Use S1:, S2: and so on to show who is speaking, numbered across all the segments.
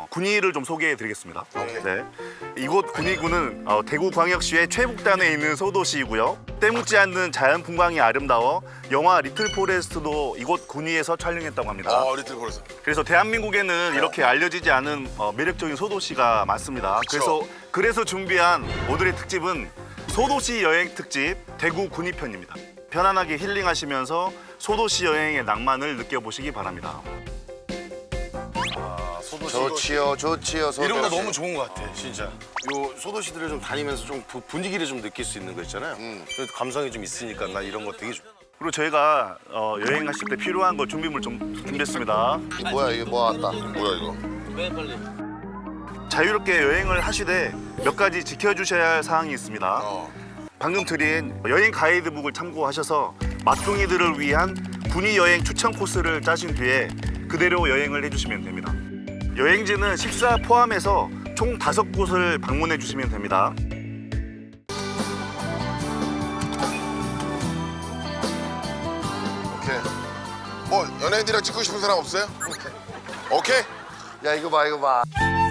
S1: 군위를 좀 소개해드리겠습니다.
S2: 오케이.
S1: 네, 이곳 군위구는 대구광역시의 최북단에 있는 소도시이고요. 때묻지 않는 자연 풍광이 아름다워 영화 리틀 포레스트도 이곳 군위에서 촬영했다고 합니다.
S2: 리틀 포레스트.
S1: 그래서 대한민국에는 이렇게 알려지지 않은 매력적인 소도시가 많습니다. 그래서 준비한 오늘의 특집은 소도시 여행 특집 대구 군위편입니다. 편안하게 힐링하시면서 소도시 여행의 낭만을 느껴보시기 바랍니다.
S2: 좋지요, 소도시.
S3: 이런 거 너무 좋은 것 같아, 진짜.
S4: 요 소도시들을 좀 다니면서 좀 분위기를 좀 느낄 수 있는 거 있잖아요. 그래도 감성이 좀 있으니까 나 이런 거 되게 좋아.
S1: 그리고 저희가 여행하실 때 필요한 거 준비물 좀 준비했습니다.
S2: 뭐야 이게 뭐 왔다. 뭐야 이거?
S1: 자유롭게 여행을 하시되 몇 가지 지켜주셔야 할 사항이 있습니다. 방금 드린 여행 가이드북을 참고하셔서 맛둥이들을 위한 군위 여행 추천 코스를 짜신 뒤에 그대로 여행을 해주시면 됩니다. 여행지는 식사 포함해서 총 5곳을 방문해 주시면 됩니다.
S2: 오케이. 연예인들이랑 찍고 싶은 사람 없어요? 오케이. 야 이거 봐 이거 봐.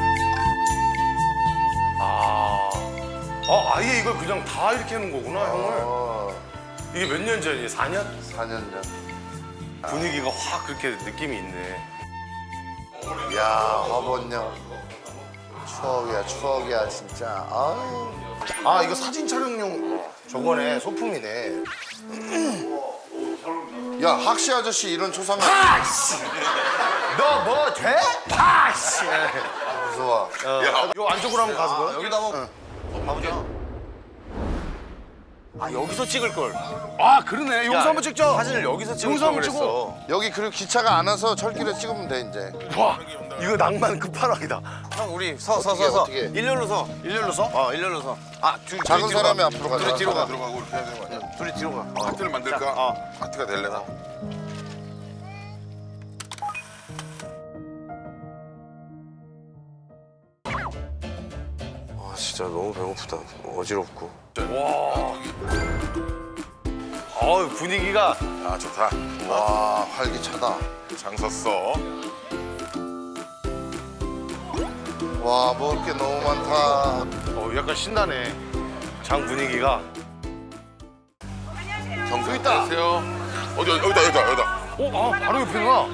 S3: 아예 이걸 그냥 다 이렇게 하는 거구나, 형을. 이게 몇 년 전이에요? 4년?
S2: 4년 전.
S3: 분위기가 확 그렇게 느낌이 있네.
S2: 야 화본령. 추억이야 진짜. 아유.
S4: 아 이거 사진 촬영용 저거네 소품이네.
S2: 야 학시 아저씨 이런 초상화.
S4: 너 뭐 돼? 아씨.
S2: 무서워.
S4: 요 안쪽으로 한번 가서 봐.
S3: 여기다 한번 가보자. 아, 여기서 찍을 걸.
S4: 아 그러네. 여기서 한번 찍자.
S3: 사진을 여기서 찍을
S4: 여기서
S3: 걸
S4: 한번
S3: 그랬어.
S2: 여기 그리고 기차가 안 와서 철길에 찍으면 돼 이제.
S4: 와 이거 낭만 끝판왕이다.
S3: 형, 우리
S2: 어떻게?
S3: 일렬로 서.
S4: 일렬로 서?
S3: 일렬로 서. 아,
S2: 작은 사람이 앞으로 가자.
S3: 둘이 뒤로 가.
S2: 들어가고 이렇게 해야 되는 거 아니야?
S3: 둘이 뒤로 가.
S2: 하트를 만들까? 하트가 될래나?
S4: 아 진짜 너무 배고프다. 어지럽고.
S3: 분위기가.
S2: 아 좋다. 와 활기차다. 장 섰어. 와 먹을 게 너무 많다.
S3: 약간 신나네. 장 분위기가.
S2: 경수 있다. 안녕하세요. 여기다.
S3: 바로 옆이구나.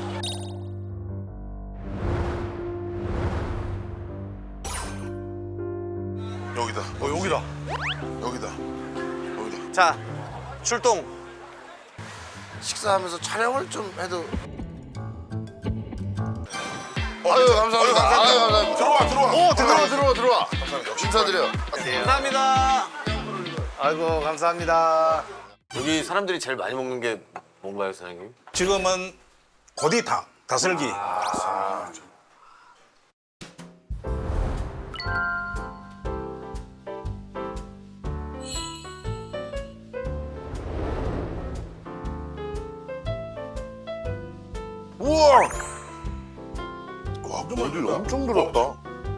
S2: 여기다.
S3: 여기다.
S2: 여기다.
S3: 자, 출동.
S2: 식사하면서 촬영을 좀 해도. 아유 감사합니다. 아유 감사합니다. 들어와. 인사드려.
S3: 감사합니다. 아이고, 감사합니다.
S4: 여기 사람들이 제일 많이 먹는 게 뭔가요, 사장님?
S5: 지금은 고디탕, 다슬기.
S2: 우와. 와 물이 엄청 들었다.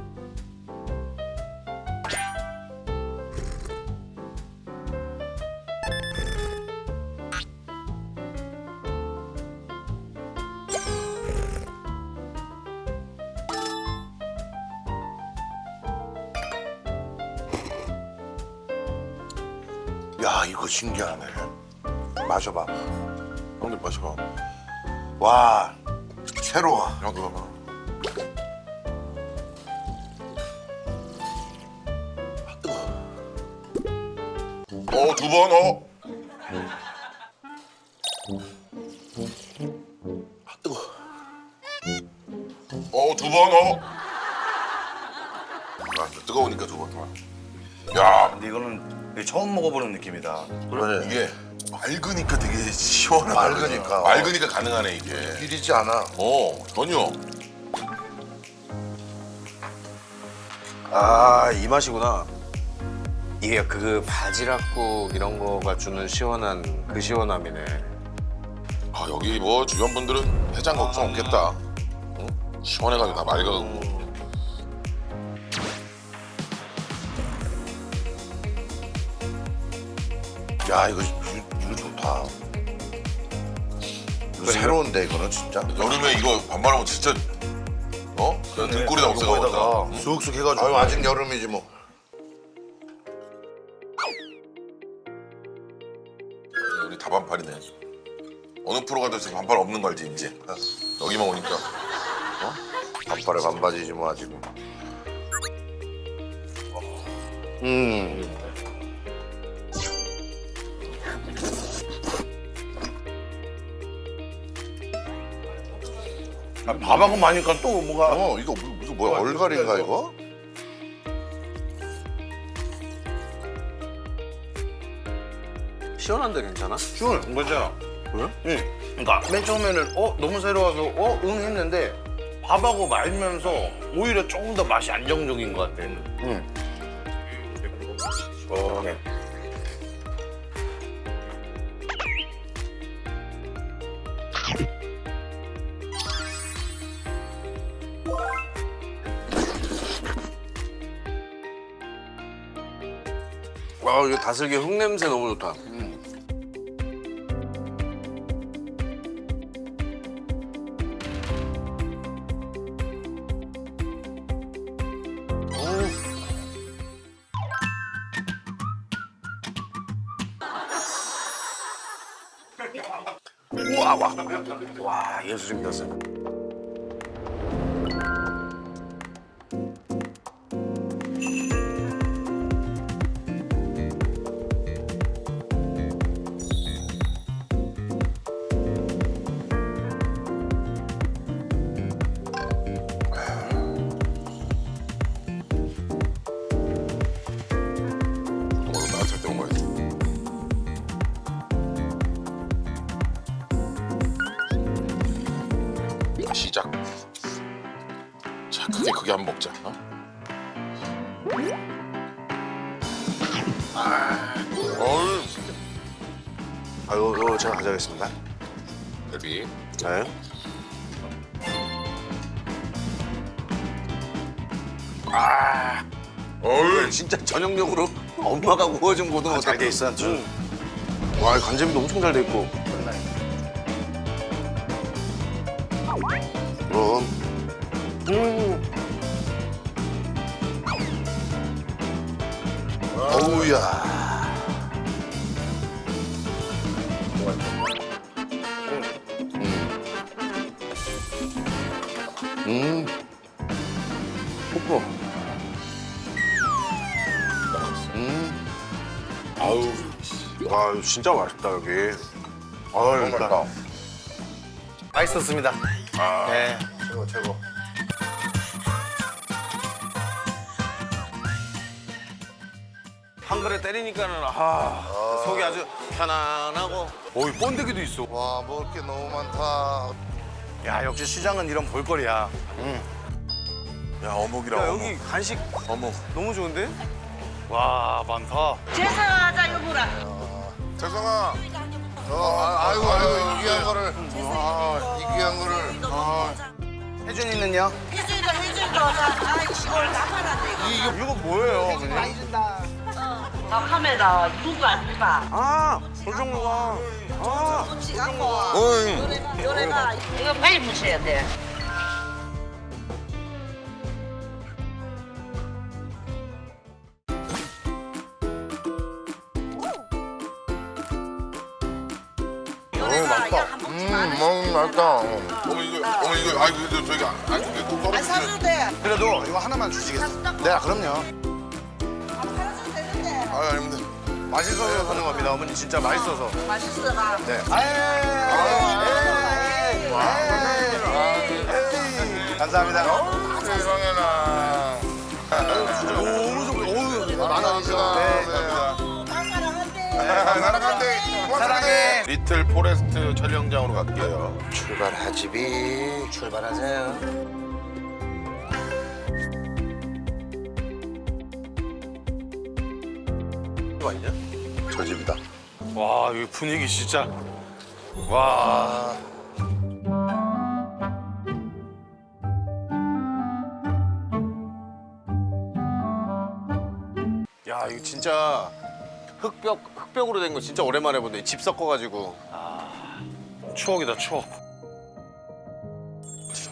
S2: 야 이거 신기하네. 마셔봐. 형님 마셔봐. 와 새로워. 형도 봐봐. 두 번. 뜨거. 두 번. 뜨거우니까 두 번. 야.
S5: 근데 이거는 처음 먹어보는 느낌이다.
S2: 그래.
S6: 이게 맑으니까 되게 시원하다.
S2: 맑으니까.
S6: 맑으니까 가능하네 이게.
S2: 비리지 않아.
S6: 전혀.
S4: 이 맛이구나. 이게 그 바지락국 이런 거가 주는 시원한 그 시원함이네.
S6: 여기 뭐 주변 분들은 해장 걱정 없겠다. 응? 시원해가지고 다 맑아가지고.
S2: 야 이거 좋다. 이거 새로운데 이거는 진짜.
S6: 여름에 이거 밥 말아먹으면 진짜 등골에다 없애가
S5: 거기다가 쑥쑥 해가지고.
S2: 아유 아직 여름이지 뭐.
S6: 우리 다 반팔이네. 어느 프로 가도 지금 반팔 없는 거 알지 이제. 여기만 오니까.
S2: 반팔에 반바지지 뭐 아직.
S5: 아, 밥하고 마니까 또 뭐가.
S2: 이거 무슨 뭐야 얼갈인가 이거?
S4: 시원한데 괜찮아?
S5: 시원해. 괜찮아.
S4: 그래?
S5: 응. 그러니까 맨 처음에는 너무 새로워서 응 했는데 밥하고 말면서 오히려 조금 더 맛이 안정적인 것 같아. 시원해.
S4: 아, 이거 다슬기 흙 냄새 너무 좋다.
S5: 와 예술입니다, 선생님.
S6: 오늘 따뜻할 때 먹어야지. 시작. 자, 크게 한번 먹자. 어? 어이,
S2: 아유 이거 제가 가져가겠습니다.
S6: 갈비.
S2: 네.
S6: 어이,
S4: 진짜 전형적으로 엄마가 구워준 고등어
S2: 잘 돼 있어.
S4: 와, 간제비도 엄청 잘 돼 있고.
S2: 그럼 어우야.
S4: 뽀뽀.
S6: 아우,
S2: 와 이거 진짜 맛있다 여기.
S5: 아유,
S2: 맛있다.
S5: 맛있었습니다. 네.
S2: 최고 최고.
S4: 한 그릇 때리니까는 속이 아주 편안하고.
S5: 오이 번데기도 있어.
S2: 와 먹을 게 너무 많다.
S5: 야 역시 시장은 이런 볼거리야.
S6: 야 어묵이라
S4: 야,
S6: 어묵.
S4: 여기 간식
S6: 어묵.
S4: 너무 좋은데?
S5: 와 많다.
S7: 제사하자 여보라.
S6: 재성아.
S2: 아이고 이 귀한 거를. 이 귀한 거를.
S5: 혜준이는요?
S7: 해준이가 아이 시골 다 팔았네 이거.
S5: 이거 뭐예요, 어머니?
S7: 나 카메라 누구 안 봐.
S4: 아, 조정로가.
S7: 음식 갖고
S6: 응.
S7: 요래가 이거 빨리 무셔야 돼. 요래가 약한 먹지 마.
S2: 맛있다.
S6: 어머니 이거 아이고 이거 저희가 이거 또
S7: 안
S6: 떨어지지.
S7: 사줘도 돼.
S5: 그래도 이거 하나만 주시겠어요? 네, 그럼요.
S7: 안 팔아줘도 되는데.
S6: 아 아닙니다.
S5: 맛있어서 하는 겁니다, 어머니. 진짜 맛있어서.
S7: 맛있어가.
S5: 네. 감사합니다.
S6: 세상에나.
S5: 너무 좋고, 어우, 만 원이죠.
S7: 다 사랑한대.
S6: 사랑한대.
S5: 사랑해.
S6: 리틀 포레스트 촬영장으로 갈게요.
S2: 출발하지비.
S4: 출발하세요. 이거 아니냐?
S2: 저 집이다.
S5: 와, 여기 분위기 진짜. 와.
S4: 야, 이거 진짜 흙벽으로 된 거 진짜 오랜만에 보네. 집 섞어가지고.
S5: 추억이다, 추억.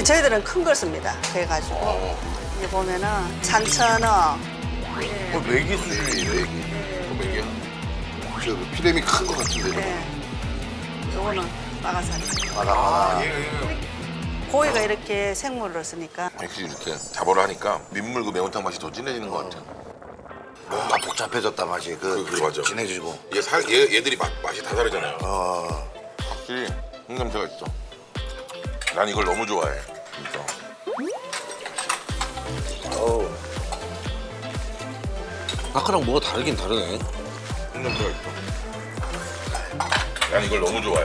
S7: 근데 저희들은 큰 걸 씁니다. 그래가지고 이제 보면은 산천어,
S2: 메기 수준이에요, 메기. 저 피렘이 큰 것 같은데.
S7: 네. 요거는 마가사리.
S2: 마가.
S7: 고기가 이렇게 생물로 쓰니까
S6: 확실히 이렇게 잡어를 하니까 민물 그 매운탕 맛이 더 진해지는 것 같아.
S2: 뭔가 복잡해졌다 맛이.
S6: 그 맞아.
S2: 진해지고.
S6: 얘들이 맛이 다 다르잖아요. 확실히 흙냄새가 있어. 난 이걸 너무 좋아해. 진짜.
S4: 아까랑 뭐가 다르긴 다르네.
S6: 흙냄새가 있어. 난 이걸 너무 좋아해.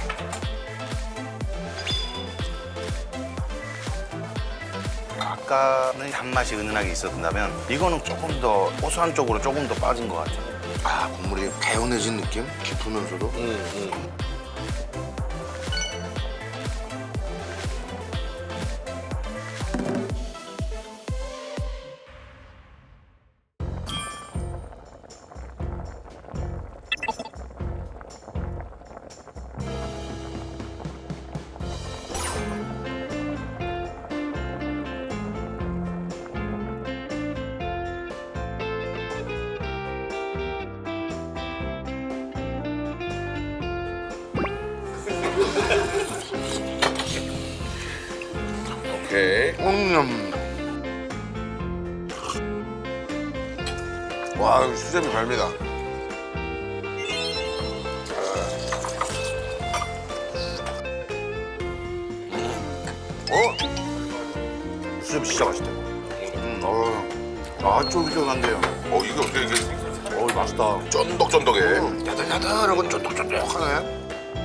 S5: 아까는 단맛이 은은하게 있었다면 이거는 조금 더 고소한 쪽으로 조금 더 빠진 것 같아요.
S2: 아, 국물이 개운해진 느낌? 깊으면서도.
S6: 오케이.
S2: 와, 여기 수제비 발미다.
S5: 수제비 진짜 맛있다. 아, 쫄깃쫄깃한데요.
S6: 이게 어떻게 이게
S5: 맛있다.
S6: 쫀득쫀득해.
S2: 야들야들하고 쫀득쫀득하네.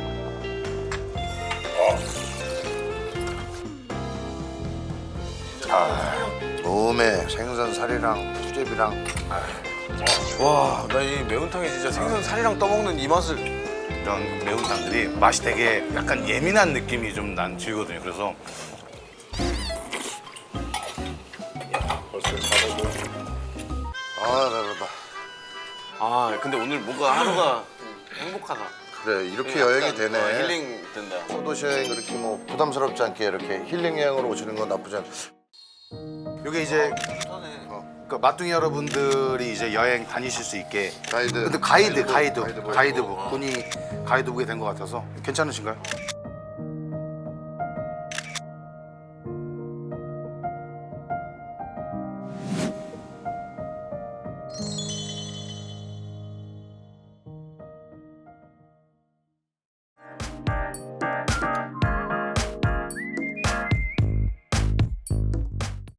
S2: 몸에 생선 살이랑 수제비랑
S4: 와, 나 이 매운탕에 진짜 생선 살이랑 떠먹는 이 맛을.
S5: 이런 매운탕들이 맛이 되게 약간 예민한 느낌이 좀 난 들거든요. 그래서
S2: 아, 배부르다.
S4: 아, 근데 오늘 뭔가 하루가 행복하다.
S2: 그래, 이렇게 여행이 되네.
S4: 힐링 된다.
S2: 소도시 여행 그렇게 뭐 부담스럽지 않게 이렇게 힐링 여행으로 오시는 건 나쁘지 않아.
S5: 이게 이제 그 맛둥이 여러분들이 이제 여행 다니실 수 있게
S2: 가이드.
S5: 근데 가이드북 군이 가이드북이 된 것 같아서 괜찮으신가요?